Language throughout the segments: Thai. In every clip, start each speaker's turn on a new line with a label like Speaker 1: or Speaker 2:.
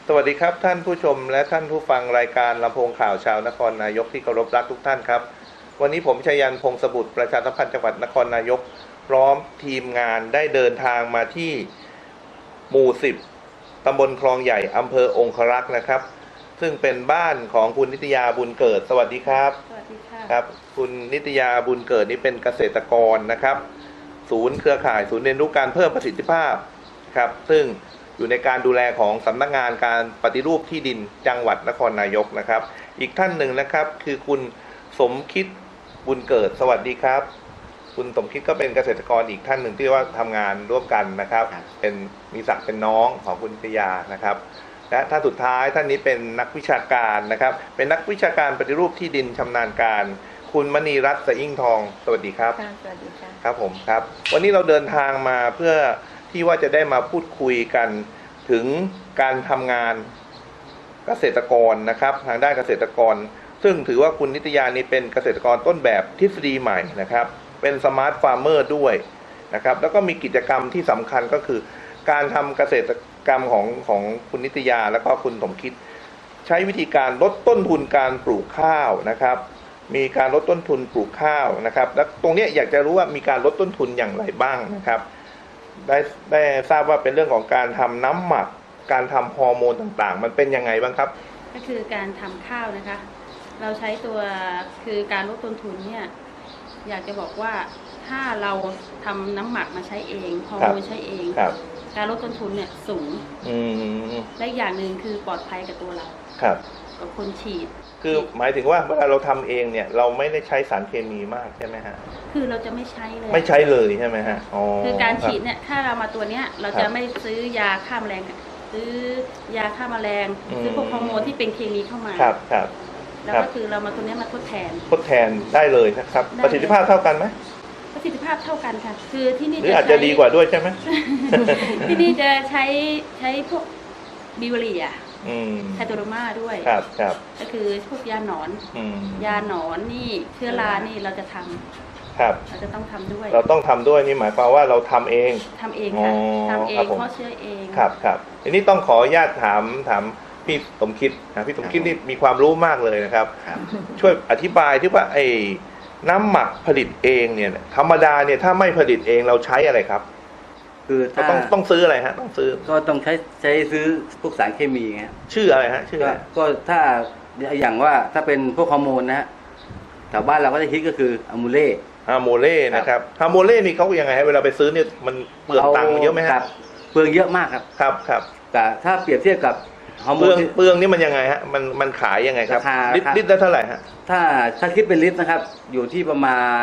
Speaker 1: สวัสดีครับท่านผู้ชมและท่านผู้ฟังรายการลำโพงข่าวชาวนครนายกที่เคารพรักทุกท่านครับวันนี้ผมชัยยันต์ พงษ์สบุตรประชาสัมพันธ์จังหวัดนครนายกพร้อมทีมงานได้เดินทางมาที่หมู่ 10 ตำบลคลองใหญ่อำเภอองครักษ์นะครับซึ่งเป็นบ้านของคุณนิตยาบุญเกิดสวัสดีครับ
Speaker 2: สวัสดีค่ะ
Speaker 1: ครับคุณนิตยาบุญเกิดนี่เป็นเกษตรกรนะครับศูนย์เครือข่ายศูนย์เรียนรู้การเพิ่มประสิทธิภาพครับซึ่งอยู่ในการดูแลของสำนักงานการปฏิรูปที่ดินจังหวัดนครนายกนะครับอีกท่านหนึ่งนะครับคือคุณสมคิดบุญเกิดสวัสดีครับคุณสมคิดก็เป็นเกษตรกรอีกท่านหนึ่งที่ว่าทำงานร่วมกันนะครับเป็นมีศักดิ์เป็นน้องของคุณนิตยานะครับและท่านสุดท้ายท่านนี้เป็นนักวิชาการนะครับเป็นนักวิชาการปฏิรูปที่ดินชำนาญการคุณมณีรัตน์ สะอิ่งทองสวัสดีครับ
Speaker 2: สวัสดีค่ะ
Speaker 1: ครับผมครับวันนี้เราเดินทางมาเพื่อที่ว่าจะได้มาพูดคุยกันถึงการทำงานเกษตรกรนะครับทางด้านเกษตรกรซึ่งถือว่าคุณนิตยานี่เป็นเกษตรกรต้นแบบทฤษฎีใหม่นะครับเป็นสมาร์ทฟาร์มเมอร์ด้วยนะครับแล้วก็มีกิจกรรมที่สำคัญก็คือการทำเกษตรกรรมของคุณนิตยาแล้วก็คุณสมคิดใช้วิธีการลดต้นทุนการปลูกข้าวนะครับมีการลดต้นทุนปลูกข้าวนะครับและตรงนี้อยากจะรู้ว่ามีการลดต้นทุนอย่างไรบ้างนะครับได้ทราบว่าเป็นเรื่องของการทำน้ำหมักการทำฮอร์โมนต่างๆมันเป็นยังไงบ้างครับ
Speaker 2: ก็คือการทำข้าวนะคะเราใช้ตัวคือการลดต้นทุนเนี่ยอยากจะบอกว่าถ้าเราทำน้ำหมักมาใช้เองฮอร์โมนใช้เองการลดต้นทุนเนี่ยสูงและอย่างหนึ่งคือปลอดภัยกับตัวเรากับคนฉีด
Speaker 1: คือหมายถึงว่าเวลาเราทำเองเนี่ยเราไม่ได้ใช้สารเคมีมากใช่ไหมฮะ
Speaker 2: คือเราจะไม่ใช้เลย
Speaker 1: ไม่ใช้เลยใช่ไหมฮะ
Speaker 2: คือการฉีดเนี่ยถ้าเรามาตัวเนี้ยเราจะไม่ซื้อยาฆ่าแมลงซื้อยาฆ่าแมลงซื้อพวกฮอร์โมนที่เป็นเคมีเข้ามา
Speaker 1: ครับ
Speaker 2: แล้วก็คือเรามาตัวนี้มาทดแทน
Speaker 1: ได้เลยนะครับประสิทธิภาพเท่ากันไหม
Speaker 2: ประสิทธิภาพเท่ากันค่ะคือที่นี่
Speaker 1: หรืออาจจะดีกว่าด้วยใช่ไหม
Speaker 2: ที่นี่จะใช้พวกบิวเรียไทโตโรมาด้วย
Speaker 1: ครับ
Speaker 2: ก็คือพวกยาหนอนนี่เชื้อรานี่เราจะทำเราจะต้องทำด้วย
Speaker 1: เราต้องทำด้วยนี่หมายความว่าเราทำเอง
Speaker 2: ค่ะทำเองเพราะเชื้อเอง
Speaker 1: ครับทีนี้ต้องขออนุญาตถามพี่สมคิดพี่สมคิดนี่มีความรู้มากเลยนะครับช่วยอธิบายที่ว่าไอ้น้ำหมักผลิตเองเนี่ยธรรมดาเนี่ยถ้าไม่ผลิตเองเราใช้อะไรครับ
Speaker 3: คือ
Speaker 1: ต้องซื้ออะไรฮะต้องซื้อ
Speaker 3: ก็ต้องใช้ซื้อพวกสารเคมีไง
Speaker 1: ชื่ออะไรฮะชื่ออะไร
Speaker 3: ก็ถ้าอย่างว่าถ้าเป็นพวกฮอร์โมนนะฮะแถวบ้านเราก็จะคิดก็คืออะมูเล่
Speaker 1: นะครับอะมูเล่นี่เขายังไงฮะเวลาไปซื้อเนี่ยมันเปลืองตังค์เยอะไหมฮะ
Speaker 3: เปลืองเยอะมาก
Speaker 1: ครับ
Speaker 3: แต่ถ้าเปรียบเทียบกับฮอร์โมน
Speaker 1: เปลืองนี่มันยังไงฮะมันขายยังไงครับลิตรละเท่าไหร่ฮะ
Speaker 3: ถ้าคิดเป็นลิตรนะครับอยู่ที่ประมาณ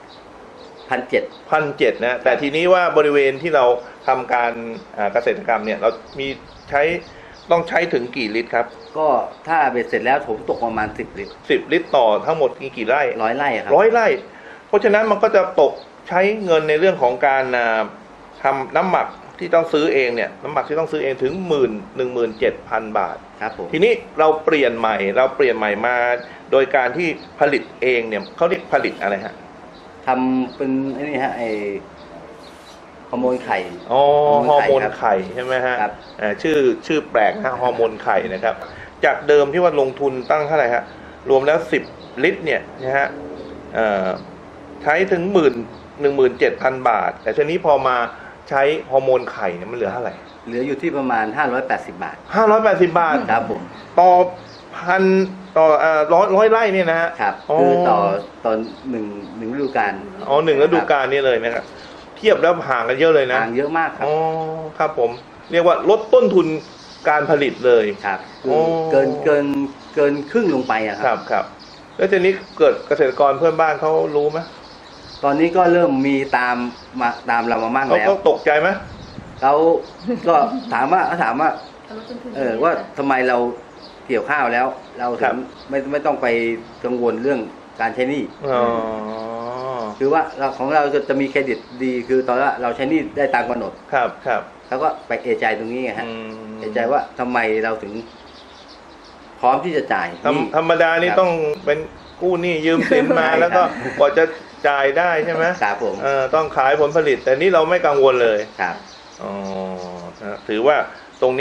Speaker 1: 1,700นะแต่ทีนี้ว่าบริเวณที่เราทำการเกษตรกรรมเนี่ยเรามีต้องใช้ถึงกี่ลิตรครับ
Speaker 3: ก็ถ้าเบ็ดเสร็จแล้วผมตกประมาณ10 ลิตร
Speaker 1: 10 ลิตรต่อทั้งหมดกี่ไร่
Speaker 3: 100 ไร่ครับ
Speaker 1: 100 ไร่เพราะฉะนั้นมันก็จะตกใช้เงินในเรื่องของการทำน้ำหมักที่ต้องซื้อเองเนี่ยน้ำหมักที่ต้องซื้อเองถึง17,000 บาท
Speaker 3: ครับผม
Speaker 1: ทีนี้เราเปลี่ยนใหม่มาโดยการที่ผลิตเองเนี่ยเขาเรียกผลิตอะไรฮะ
Speaker 3: ทำเป็นนี่ฮะไอฮอร์โมนไข่
Speaker 1: ฮอร์โมนไข่ใช่ไหมฮะชื่อแปลกฮะฮอร์โมนไข่นะครับจากเดิมที่ว่าลงทุนตั้งเท่าไหร่ฮะรวมแล้ว10 ลิตรเนี่ยนะฮะใช้ถึง17,000 บาทแต่ทีนี้พอมาใช้ฮอร์โมนไข่เนี่ยมันเหลือเท่าไหร่
Speaker 3: เหลืออยู่ที่ประมาณ580 บาท
Speaker 1: 580 บาท
Speaker 3: ครับผม
Speaker 1: ต่อ100 ไร่เนี่ยนะฮะ
Speaker 3: ครับคือต่อหนึ่งฤดูกาล
Speaker 1: 1 ฤดูกาลนี่เลยนะครับเทียบแล้วห่างกันเยอะเลยนะ
Speaker 3: ห่างเยอะมากครับ
Speaker 1: ครับผมเรียกว่าลดต้นทุนการผลิตเลย
Speaker 3: ครับเกินครึ่งลงไปอะ
Speaker 1: ครับแล้วทีนี้เกิดเกษตรกรเพื่อนบ้านเขารู้ไหม
Speaker 3: ตอนนี้ก็เริ่มมีตามเรามามั่งแล้ว
Speaker 1: เขาตกใจไหม
Speaker 3: เขาก็ถามว่าว่าทำไมเราเกี่ยวข้าวแล้วเราถึงไม่ต้องไปกังวลเรื่องการใช้หนี้คือว่าของเราจะมีเครดิตดีคือตอนว่าเราใช้หนี้ได้ตามกำหนด
Speaker 1: ครับ
Speaker 3: แล้วก็ไปเอะใจตรงนี้ไงฮะเอะใจว่าทำไมเราถึงพร้อมที่จะจ่าย
Speaker 1: ธรรมดานี่ต้องเป็นกู้หนี้ยืมสินมาแล้วก็กว่าจะจ่ายได้ใช่ไหม
Speaker 3: ครับผม
Speaker 1: ต้องขายผลผลิตแต่นี่เราไม่กังวลเลย
Speaker 3: ครับ
Speaker 1: ถือว่าตรงเนี้ย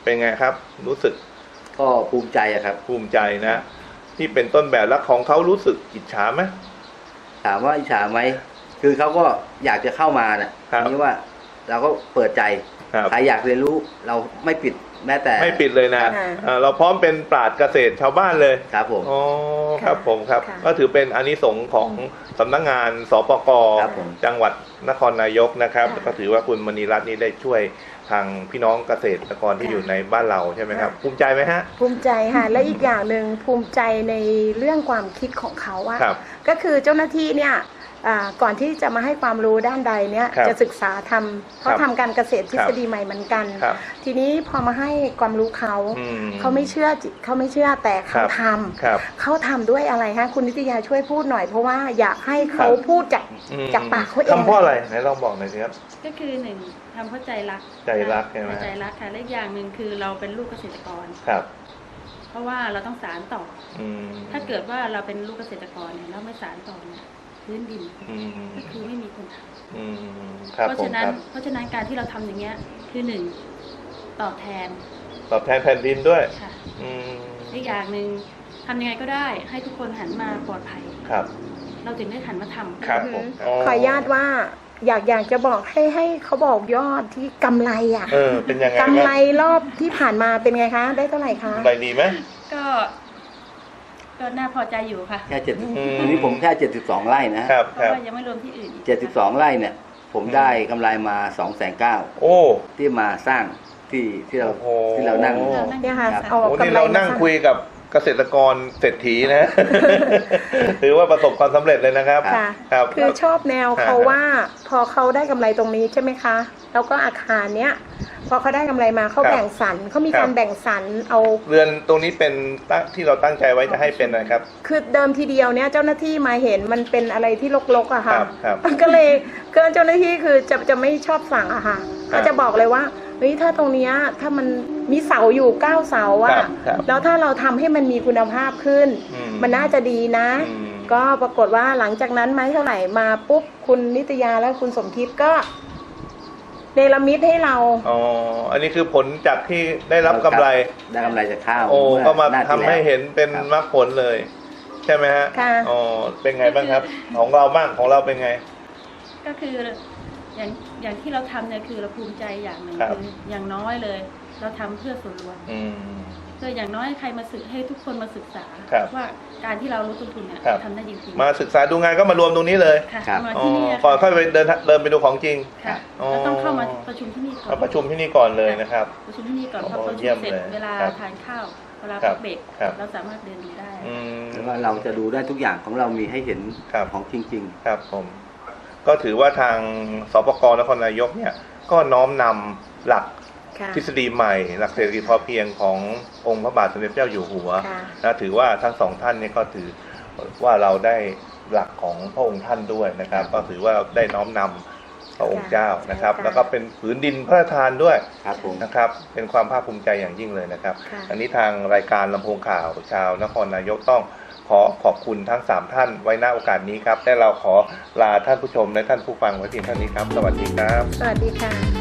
Speaker 1: เป็นไงครับ รู้สึก
Speaker 3: ก็ภูมิใจอะครับ
Speaker 1: ภูมิใจนะที่เป็นต้นแบบแล้วของเขารู้สึกอิจฉาไหม
Speaker 3: ถามว่าอิจฉาไหมคือเขาก็อยากจะเข้ามาน่ะ
Speaker 1: ครับ
Speaker 3: นี่ว่าเราก็เปิดใจ
Speaker 1: ครับ
Speaker 3: ใครอยากเรียนรู้เราไม่ปิดแม้แต่
Speaker 1: ไม่ปิดเลยนะ
Speaker 4: ค่ะ
Speaker 1: เราพร้อมเป็นปราชญ์เกษตรชาวบ้านเลย
Speaker 3: ครับผม
Speaker 1: อ๋อครับผมครับ
Speaker 4: ค่ะ
Speaker 1: ก็ถือเป็นอานิสงส์ของสำนักงานสปก
Speaker 3: ครับผม
Speaker 1: จังหวัดนครนายกนะครับ
Speaker 2: ค่ะ
Speaker 1: ก็ถือว่าคุณมณีรัตน์นี่ได้ช่วยทางพี่น้องเกษตรกรที่อยู่ในบ้านเราใช่ไหมครับ ภูมิใจไหมฮะ
Speaker 4: ภูมิใจค่ะ และอีกอย่างหนึ่งภูมิใจในเรื่องความคิดของเขาว่า
Speaker 1: ครับ
Speaker 4: ก็คือเจ้าหน้าที่เนี่ยก่อนที่จะมาให้ความรู้ด้านใดเนี่ย
Speaker 1: ครับ
Speaker 4: จะศึกษาทำเขา
Speaker 1: ครับ
Speaker 4: ทำการเกษตรทฤษฎีใหม่เหมือนกัน
Speaker 1: ครับ
Speaker 4: ทีนี้พอมาให้ความรู้เขา
Speaker 1: อืม
Speaker 4: เขาไม่เชื่อแต่
Speaker 1: ครั
Speaker 4: เขา
Speaker 1: บ
Speaker 4: ท
Speaker 1: ครับ
Speaker 4: ำเขาทำด้วยอะไรฮะคุณนิตยาช่วยพูดหน่อย เพราะว่าอยากให้เขา
Speaker 1: ครับ
Speaker 4: พูดจาก
Speaker 1: อืม
Speaker 4: จากปากเขาเอง
Speaker 1: ทำเพราะอะไรไหนลองบอกหน่อยสิครับ
Speaker 2: ก็คือหนึ่งทำเพราะใจรัก
Speaker 1: ใจรักใช่ไหม
Speaker 2: ใจรักค่ะและอีกอย่างหนึ่งคือเราเป็นลูกเกษตรกร
Speaker 1: ครับ
Speaker 2: เพราะว่าเราต้องสานต่อ
Speaker 1: อืม
Speaker 2: ถ้าเกิดว่าเราเป็นลูกเกษตรกรเนี่ยเราไม่สานต่อเนี่ยพื้นดิน
Speaker 1: อืม
Speaker 2: ก็คือไม่มีคนท
Speaker 1: อืมค
Speaker 2: ำ
Speaker 1: รับ
Speaker 2: เพราะ
Speaker 1: ผม
Speaker 2: ฉะนั้
Speaker 1: คน รับ
Speaker 2: เพราะฉะนั้นการที่เราทำอย่างเงี้ยคือหนึ่งตอบแทน
Speaker 1: ตอบแทนแผ่นดินด้วย
Speaker 2: ค่ะ
Speaker 1: อืม
Speaker 2: อีกอย่างหนึ่งทำยังไงก็ได้ให้ทุกคนหันมาปลอดภัย
Speaker 1: ครับ
Speaker 2: เราถึงได้หันมาทำ
Speaker 1: ครับผม
Speaker 4: ขออนุญาตว่าอยากจะบอกให้เขาบอกยอดที่กำไรอ่ะ
Speaker 1: เป็นยังไง
Speaker 4: กำไร
Speaker 1: บ้าง
Speaker 4: รอบที่ผ่านมาเป็นไงคะ ได้เท่าไหร่คะ
Speaker 1: กำไรดีไหม
Speaker 2: ก็น่าพอใจอยู่ค่ะ
Speaker 3: แค่เจ็ด
Speaker 1: อืม
Speaker 3: อันนี้ผมแค่72 ไร่นะฮะ
Speaker 1: ครับ
Speaker 2: เพ
Speaker 1: ค
Speaker 2: ราะ
Speaker 1: รับ
Speaker 2: ว่ายังไม่รวมที่อื่นอีก
Speaker 3: 72 ไร่เนี่ย ผมได้กำไรมา2,900,000
Speaker 1: โอ้
Speaker 3: ที่มาสร้างที่เรา
Speaker 1: โอ้โห
Speaker 3: ที่เรานั่ง
Speaker 4: เนี่ยค่ะ
Speaker 3: ครับ
Speaker 4: เอา
Speaker 1: โอ้
Speaker 4: กำ
Speaker 1: นี่
Speaker 4: ไร
Speaker 1: เรา
Speaker 4: มา
Speaker 1: นั่ง
Speaker 4: สร้าง
Speaker 1: คุยกับเกษตรกรเศรษฐีนะ ถือว่าประสบความสำเร็จเลยนะครับ
Speaker 4: ค่ะ
Speaker 1: ครับ
Speaker 4: คือชอบแนวเขา
Speaker 1: อ่า
Speaker 4: ว่าพอเขาได้กำไรตรงนี้ใช่ไหมคะ แล้วก็อาคารเนี้ยพอเขาได้กำไรมาเขา
Speaker 1: ครับ
Speaker 4: แบ่งสรรเขามี
Speaker 1: ครับ
Speaker 4: การแบ่งสรรเอา
Speaker 1: เรือนตรงนี้เป็นที่เราตั้งใจไว้จะให้เป็นอะไรครับ
Speaker 4: คือเดิมทีเดียวเนี่ยเจ้าหน้าที่มาเห็นมันเป็นอะไรที่รกๆอะค่ะ
Speaker 1: ครับ
Speaker 4: ก็เลยก็เจ้าหน้าที่คือจะไม่ชอบสั่งอะค่ะ
Speaker 1: ครับ
Speaker 4: ก็จะบอกเลยว่าเฮ้ยถ้าตรงเนี้ยถ้ามันมีเสาอยู่9เสา
Speaker 1: ครั
Speaker 4: อะ
Speaker 1: บครับ
Speaker 4: แล้วถ้าเราทำให้มันมีคุณภาพขึ้น
Speaker 1: อืม
Speaker 4: มันน่าจะดีนะ
Speaker 1: อืม
Speaker 4: ก็ปรากฏว่าหลังจากนั้นไม่เท่าไหร่มาปุ๊บคุณนิตยาและคุณสมคิดก็เนรมิตให้เรา
Speaker 1: อ๋อ อันนี้คือผลจากที่ได้รับกำไร
Speaker 3: ได้กำไรจากข้าว
Speaker 1: โอ้
Speaker 3: เมื่
Speaker 1: ก็มา
Speaker 3: หน้
Speaker 1: ทำ
Speaker 3: ที่
Speaker 1: ให้
Speaker 3: แล้ว
Speaker 1: เห็นเป็น
Speaker 3: ครับ
Speaker 1: มรรคผลเลย ใช่ไหมฮะ
Speaker 4: ค่ะ
Speaker 1: อ๋อ เป็นไงบ้างครับ ของเราบ้างของเราเป็นไง
Speaker 2: ก็คืออย่างที่เราทำเนี่ยคือเราภูมิใจอย่างหนึ่ง
Speaker 1: ครับ
Speaker 2: คืออย่างน้อยเลย เราทำเพื่อส่วนรวม
Speaker 1: อืม
Speaker 2: เพื่ออย่างน้อยใครมาศึกให้ทุกคนมาศึกษา
Speaker 1: ครับ
Speaker 2: ว่าการที่เราลดต้นทุนเนี่ย
Speaker 1: ครับ
Speaker 2: ทำได้จริงๆ
Speaker 1: มาศึกษาดูงานก็มารวมตรงนี้เลย
Speaker 2: ค่ะ
Speaker 3: ครับ
Speaker 2: มา
Speaker 1: อ๋อ
Speaker 2: ที่นี่
Speaker 1: ก่อนค่อยไปเดินไปดูของจริง
Speaker 2: ค่ะ
Speaker 1: อ๋อ
Speaker 2: แล้วต้องเข้ามาประชุมที่นี่ก่อน
Speaker 1: มาประชุมที่นี่ก่อนเลยนะครับ
Speaker 2: ประชุมที่นี่ก่อนพอ
Speaker 1: โอ้
Speaker 2: ประชุ
Speaker 1: เยี่ย
Speaker 2: ม
Speaker 1: ม
Speaker 2: เสร็จ
Speaker 1: เลย
Speaker 2: เวลา
Speaker 1: ครับ
Speaker 2: ทานข้าวเวลา
Speaker 1: ครั
Speaker 2: พั
Speaker 1: บ
Speaker 2: กเบรก
Speaker 1: ครับ
Speaker 2: เราสามารถเดินดูได้
Speaker 1: อืม
Speaker 3: แล้วว่าเราจะดูได้ทุกอย่างของเรามีให้เห็น
Speaker 1: ครับ
Speaker 3: ของจริง
Speaker 1: ครับผม ก็ถือว่าทางสปกนครนายกเนี่ย ก็น้อมนำหลัก
Speaker 4: ค่ะ
Speaker 1: ทฤษฎีใหม่ หลักเศรษฐกิจพอเพียงขององค์พระบาทสมเด็จพระเจ้าอยู่หัว
Speaker 4: ค่ะ
Speaker 1: นะถือว่าทั้งสองท่านเนี่ยก็ถือว่าเราได้หลักของพระองค์ท่านด้วยนะครับ ก็ถือว่าได้น้อมนำพระองค์เจ้านะครับ
Speaker 4: ค่ะ
Speaker 1: แล้วก็เป็นผืนดินพระราชทานด้วย
Speaker 3: ๆ ครับผม
Speaker 1: นะครับ เป็นความภาคภูมิใจอย่างยิ่งเลยนะครับ
Speaker 4: ค่ะ
Speaker 1: อันนี้ทางรายการลำโพงข่าวชาวนครนายกต้องขอขอบคุณทั้ง 3 ท่านไว้ณโอกาสนี้ครับและเราขอลาท่านผู้ชมและท่านผู้ฟังไว้เพียงเท่านี้ครับ สวัสดีครับ
Speaker 4: สวัสดีค่ะ